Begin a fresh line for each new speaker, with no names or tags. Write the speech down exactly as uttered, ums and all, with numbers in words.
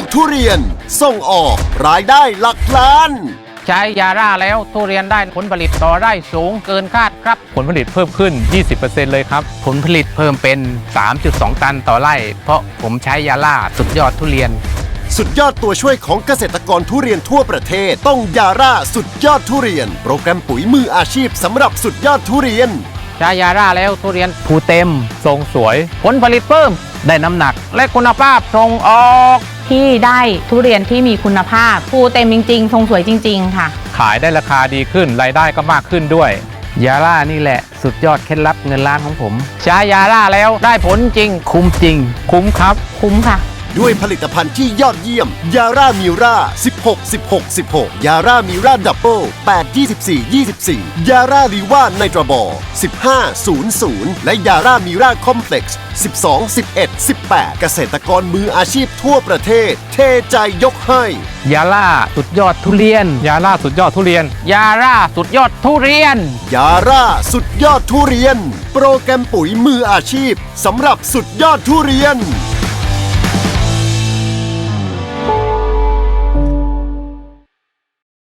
ทุเรียนส่งออกรายได้หลักล้าน
ใช้ยาร่าแล้วทุเรียนได้ผลผลิตต่อไร่สูงเกินคาดครับ
ผลผลิตเพิ่มขึ้น ยี่สิบเปอร์เซ็นต์ เลยครับ
ผลผลิตเพิ่มเป็น สามจุดสอง ตันต่อไร่เพราะผมใช้ยาร่าสุดยอดทุเรียน
สุดยอดตัวช่วยของเกษตรกรทุเรียนทั่วประเทศต้องยาร่าสุดยอดทุเรียนโปรแกรมปุ๋ยมืออาชีพสำหรับสุดยอดทุเรียน
ใช้ยาร่าแล้วทุเรียนภูเต็ม
ทรงสวย
ผลผลิตเพิ่มได้น้ำหนักและคุณภาพส่งออก
ที่ได้ทุเรียนที่มีคุณภาพภูเต็มจริงๆทรงสวยจริงๆค่ะ
ขายได้ราคาดีขึ้นรายได้ก็มากขึ้นด้วย
ยาร่านี่แหละสุดยอดเคล็ดลับเงินล้านของผมใช้ยาร่าแล้วได้ผลจริงคุ้มจริง
คุ้มครับ
คุ้มค่ะ
ด้วยผลิตภัณฑ์ที่ยอดเยี่ยมยาร่ามิราสิบหก สิบหก สิบหกยาร่ามิราดับเบิลแปด ยี่สิบสี่ ยี่สิบสี่ยาร่าลีว่าไนตราบอร์สิบห้า ศูนย์ ศูนย์และยาร่ามิราคอมเพล็กซ์สิบสอง สิบเอ็ด สิบแปดเกษตรกรมืออาชีพทั่วประเทศเทใจยกให้
ยาร่าสุดยอดทุเรียน
ยาร่าสุดยอดทุเรียน
ยาร่าสุดยอดทุเรียน
ยาร่าสุดยอดทุเรียนโปรแกรมปุ๋ยมืออาชีพสำหรับสุดยอดทุเรียน